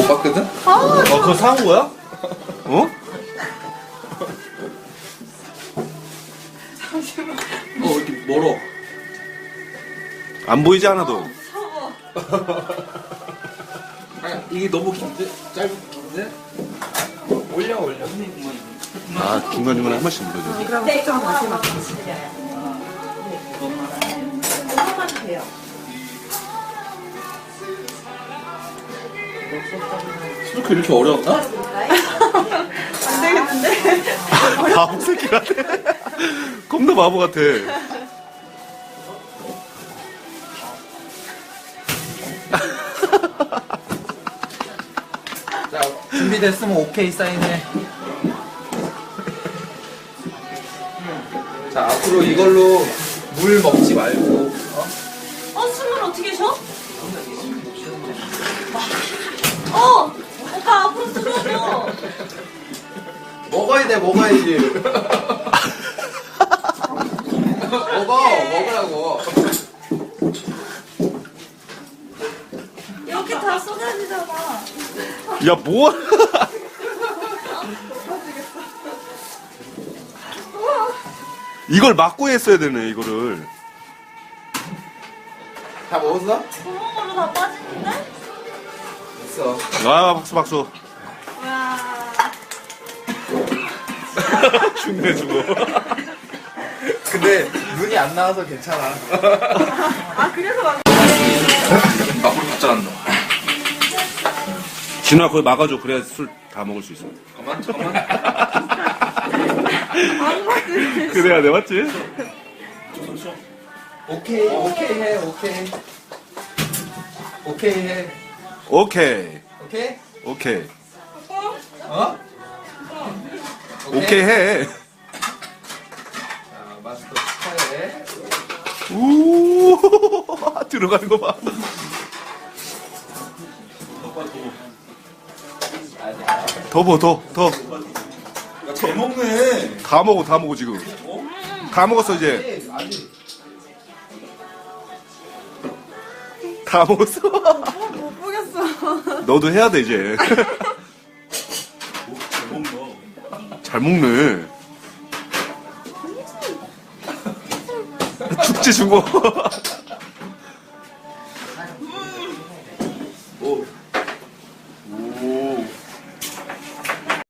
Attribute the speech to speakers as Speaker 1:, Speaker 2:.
Speaker 1: 못 봤거든?
Speaker 2: 그거 사온 거야?
Speaker 3: 어?
Speaker 1: 이렇게 멀어.
Speaker 3: 안 보이지 않아도.
Speaker 1: 이게 너무 긴데? 짧은데? 올려.
Speaker 3: 아, 중간중간에 한 번씩 눌러줘.
Speaker 4: 그럼 숙점 다시 맞춰. 이거만 돼요.
Speaker 1: 스노클 이렇게 어려웠나?
Speaker 4: 안 되겠는데?
Speaker 3: 바보 새끼 같아. 겁나 바보 같아.
Speaker 1: 자, 준비됐으면 오케이 사인해. 자, 앞으로 이걸로 물 먹지 말고.
Speaker 4: 술을 어떻게 셔? 오빠 앞으로 들어줘.
Speaker 1: 먹어야지. 먹으라고.
Speaker 4: 이렇게 다 쏟아지잖아.
Speaker 3: 야, 뭐? 이걸 막고 했어야 되네, 이거를.
Speaker 1: 다 먹었어?
Speaker 4: 구멍으로 다 빠지는데?
Speaker 1: 됐어.
Speaker 3: 아, 박수.
Speaker 4: 와.
Speaker 3: 죽네, 죽어.
Speaker 1: 근데 눈이 안 나와서 괜찮아.
Speaker 4: 그래서 막.
Speaker 1: 물 가져갔노.
Speaker 3: 진우야, 거기 막아줘. 그래야 술 다 먹을 수 있어.
Speaker 1: 잠깐만.
Speaker 3: 그래야 돼, 맞지?
Speaker 1: 오케이 해. 오케이.
Speaker 3: 오케이.
Speaker 1: 오케이? 어?
Speaker 3: 오케이 해.
Speaker 1: 자, 마스터 축하해.
Speaker 3: 우 들어가는 거 봐. 더.
Speaker 2: 잘 먹네.
Speaker 3: 다 먹어, 지금. 다 먹었어, 이제.
Speaker 1: 아직.
Speaker 3: 다 먹었어.
Speaker 4: 못 보겠어.
Speaker 3: 너도 해야 돼, 이제. 잘 먹네. 죽지, 죽어.